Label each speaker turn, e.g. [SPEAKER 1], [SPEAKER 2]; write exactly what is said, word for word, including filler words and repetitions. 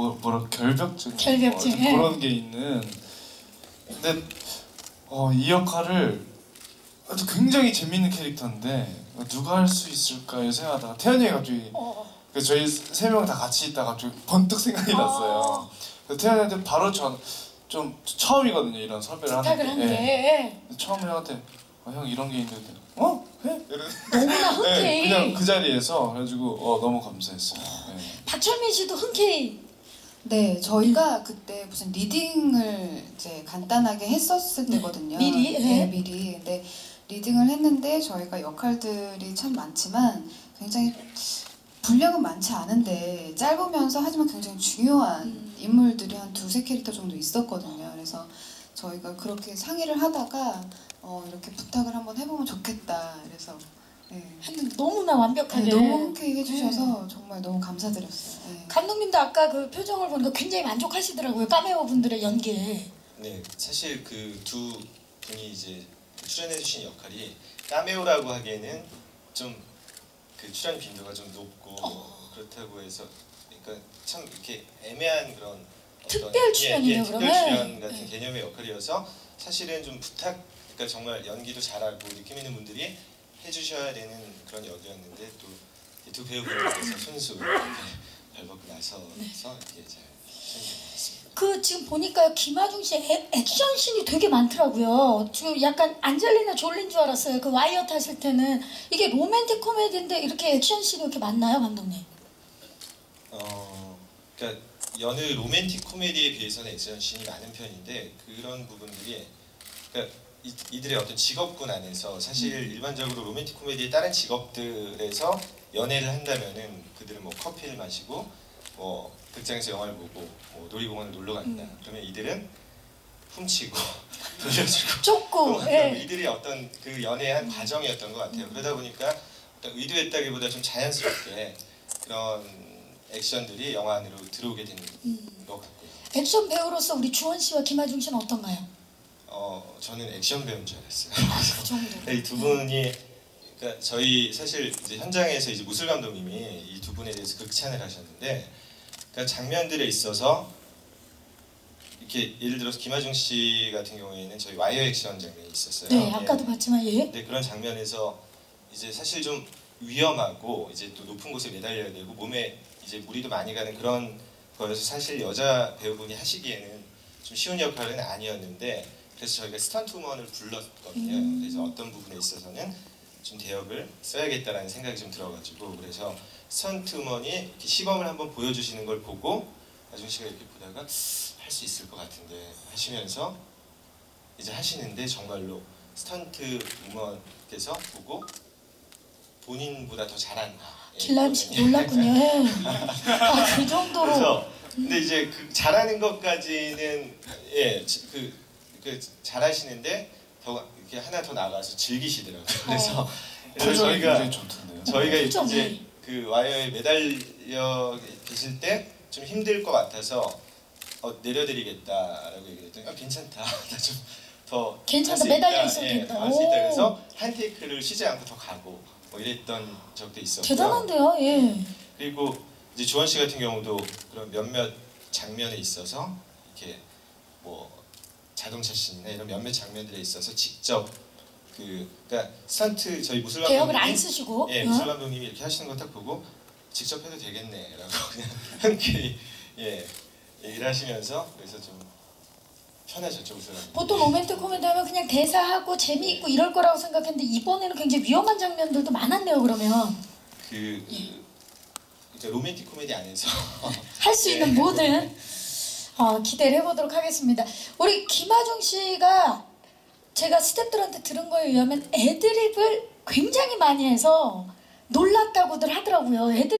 [SPEAKER 1] 뭐 뭐라 결벽증,
[SPEAKER 2] 결벽증,
[SPEAKER 1] 뭐
[SPEAKER 2] 예.
[SPEAKER 1] 그런 게 있는. 근데 어, 이 역할을 아주 굉장히 재밌는 캐릭터인데 누가 할 수 있을까 생각하다가 태연이가 갑자기
[SPEAKER 2] 어.
[SPEAKER 1] 그 저희 세 명 다 같이 있다가 갑자기 번뜩 생각이
[SPEAKER 2] 어.
[SPEAKER 1] 났어요. 그래서 태연이한테 바로 전 좀 처음이거든요 이런 섭외를 하는
[SPEAKER 2] 부탁을
[SPEAKER 1] 게.
[SPEAKER 2] 한 게.
[SPEAKER 1] 예. 처음에 형한테 어, 형 이런 게 있는데 어? 해? 이런.
[SPEAKER 2] 너무나 흔쾌히.
[SPEAKER 1] 네, 그냥 그 자리에서 그래가지고 어, 너무 감사했어요. 네.
[SPEAKER 2] 박철민 씨도 흔쾌히.
[SPEAKER 3] 네, 저희가 그때 무슨 리딩을 이제 간단하게 했었을
[SPEAKER 2] 네,
[SPEAKER 3] 때거든요.
[SPEAKER 2] 미리?
[SPEAKER 3] 네,
[SPEAKER 2] 네.
[SPEAKER 3] 미리. 근데 리딩을 했는데 저희가 역할들이 참 많지만 굉장히 분량은 많지 않은데 짧으면서 하지만 굉장히 중요한
[SPEAKER 2] 음.
[SPEAKER 3] 인물들이 한 두세 캐릭터 정도 있었거든요. 그래서 저희가 그렇게 상의를 하다가 어, 이렇게 부탁을 한번 해보면 좋겠다. 그래서 네.
[SPEAKER 2] 했는데 너무나 완벽하게.
[SPEAKER 3] 네, 너무 흔쾌히 해주셔서 정말 너무 감사드렸어요. 네.
[SPEAKER 2] 감독님도 아까 그 표정을 보니까 굉장히 만족하시더라고요. 카메오 분들의 연기에.
[SPEAKER 4] 네, 사실 그 두 분이 이제 출연해주신 역할이 카메오라고 하기에는 좀 그 출연 빈도가 좀 높고
[SPEAKER 2] 어.
[SPEAKER 4] 그렇다고 해서 그러니까 참 이렇게 애매한 그런 어떤
[SPEAKER 2] 특별 출연이죠,
[SPEAKER 4] 예, 예, 특별
[SPEAKER 2] 그러면?
[SPEAKER 4] 출연 같은
[SPEAKER 2] 네.
[SPEAKER 4] 개념의 역할이어서 사실은 좀 부탁, 그러니까 정말 연기도 잘하고 느낌 있는 분들이 해주셔야 되는 그런 역이었는데 또 이 두 배우분들께서 손수 이렇게 발벗고 나서서
[SPEAKER 2] 네.
[SPEAKER 4] 이렇게 잘 수행된 것 같습니다.
[SPEAKER 2] 그 지금 보니까 김하중 씨의 애- 액션씬이 되게 많더라고요. 지금 약간 안젤리나 졸린 줄 알았어요. 그 와이어 탔을 때는. 이게 로맨틱 코미디인데 이렇게 액션씬이 이렇게 많나요, 감독님?
[SPEAKER 4] 어, 그러니까 여느 로맨틱 코미디에 비해서는 액션씬이 많은 편인데 그런 부분들이 그러니까 이, 이들의 어떤 직업군 안에서 사실
[SPEAKER 2] 음.
[SPEAKER 4] 일반적으로 로맨틱 코미디의 다른 직업들에서 연애를 한다면은 그들은 뭐 커피를 마시고 뭐 극장에서 영화를 보고 뭐 놀이공원을 놀러 간다.
[SPEAKER 2] 음.
[SPEAKER 4] 그러면 이들은 훔치고 돌려주고
[SPEAKER 2] 쫓고.
[SPEAKER 4] 또
[SPEAKER 2] 예.
[SPEAKER 4] 이들이 어떤 그 연애의 한 과정이었던 것 같아요. 그러다 보니까 어떤 의도했다기보다 좀 자연스럽게 그런 액션들이 영화 안으로 들어오게 된 것 같고요.
[SPEAKER 2] 액션 배우로서 우리 주원 씨와 김하중 씨는 어떤가요?
[SPEAKER 4] 어, 저는 액션 배우인 줄 알았어요.
[SPEAKER 2] 그 정도.
[SPEAKER 4] 이 두 분이 그러니까 저희 사실 이제 현장에서 이제 무술 감독님이 이 두 분에 대해서 극찬을 하셨는데 그러니까 장면들에 있어서 이렇게 예를 들어서 김하중 씨 같은 경우에는 저희 와이어 액션 장면이 있었어요.
[SPEAKER 2] 네, 아까도
[SPEAKER 4] 예.
[SPEAKER 2] 봤지만 예.
[SPEAKER 4] 근데 그런 장면에서 이제 사실 좀 위험하고 이제 또 높은 곳에 매달려야 되고 몸에 이제 무리도 많이 가는 그런 거여서 사실 여자 배우분이 하시기에는 좀 쉬운 역할은 아니었는데 그래서 저희가 스턴트우먼을 불렀거든요.
[SPEAKER 2] 음.
[SPEAKER 4] 그래서 어떤 부분에 있어서는 좀 대역을 써야겠다라는 생각이 좀 들어가지고 그래서 스턴트우먼이 이렇게 시범을 한번 보여주시는 걸 보고 나중 씨가 이렇게 보다가 할 수 있을 것 같은데 하시면서 이제 하시는데 정말로 스턴트 우먼께서 보고 본인보다 더 잘한다. 예,
[SPEAKER 2] 길란 씨
[SPEAKER 4] 그거는.
[SPEAKER 2] 놀랐군요. 예. 아, 그 정도로.
[SPEAKER 4] 그래서 근데 이제 그 잘하는 것까지는 예그 그 잘하시는데 더 이렇게 하나 더 나가서 즐기시더라고요. 그래서,
[SPEAKER 2] 어.
[SPEAKER 4] 그래서
[SPEAKER 1] 표정이
[SPEAKER 4] 저희가
[SPEAKER 1] 굉장히 좋던데요.
[SPEAKER 4] 저희가
[SPEAKER 2] 표정이.
[SPEAKER 4] 이제 그 와이어에 매달려 계실 때 좀 힘들 것 같아서 어, 내려드리겠다라고 얘기했더니 아, 괜찮다. 나 좀 더
[SPEAKER 2] 괜찮다. 매달려 있어도 된다.
[SPEAKER 4] 할수 있다.
[SPEAKER 2] 오.
[SPEAKER 4] 그래서 한 테이크를 쉬지 않고 더 가고 뭐 이랬던 적도 있었고요.
[SPEAKER 2] 대단한데요. 예.
[SPEAKER 4] 그리고 이제 주원 씨 같은 경우도 그런 몇몇 장면에 있어서 이렇게 뭐 자동차 씬이나 이런 몇몇 장면들에 있어서 직접 그 그러니까 스턴트 저희 무술
[SPEAKER 2] 대역을
[SPEAKER 4] 감독님이
[SPEAKER 2] 안 쓰시고.
[SPEAKER 4] 예
[SPEAKER 2] 어?
[SPEAKER 4] 무술 감독님이 이렇게 하시는 거 딱 보고 직접 해도 되겠네라고 그냥 흔쾌히 예 얘기를 하시면서 그래서 좀 편하셨죠 무술 감독님.
[SPEAKER 2] 보통 로맨틱 코미디 하면 그냥 대사하고 재미있고 이럴 거라고 생각했는데 이번에는 굉장히 위험한 장면들도 많았네요. 그러면
[SPEAKER 4] 그, 그 이제 로맨틱 코미디 안에서
[SPEAKER 2] 할 수
[SPEAKER 4] 예.
[SPEAKER 2] 있는 모든 어, 기대를 해보도록 하겠습니다. 우리 김하중 씨가 제가 스태프들한테 들은 거에 의하면 애드립을 굉장히 많이 해서 놀랐다고들 하더라고요. 애드립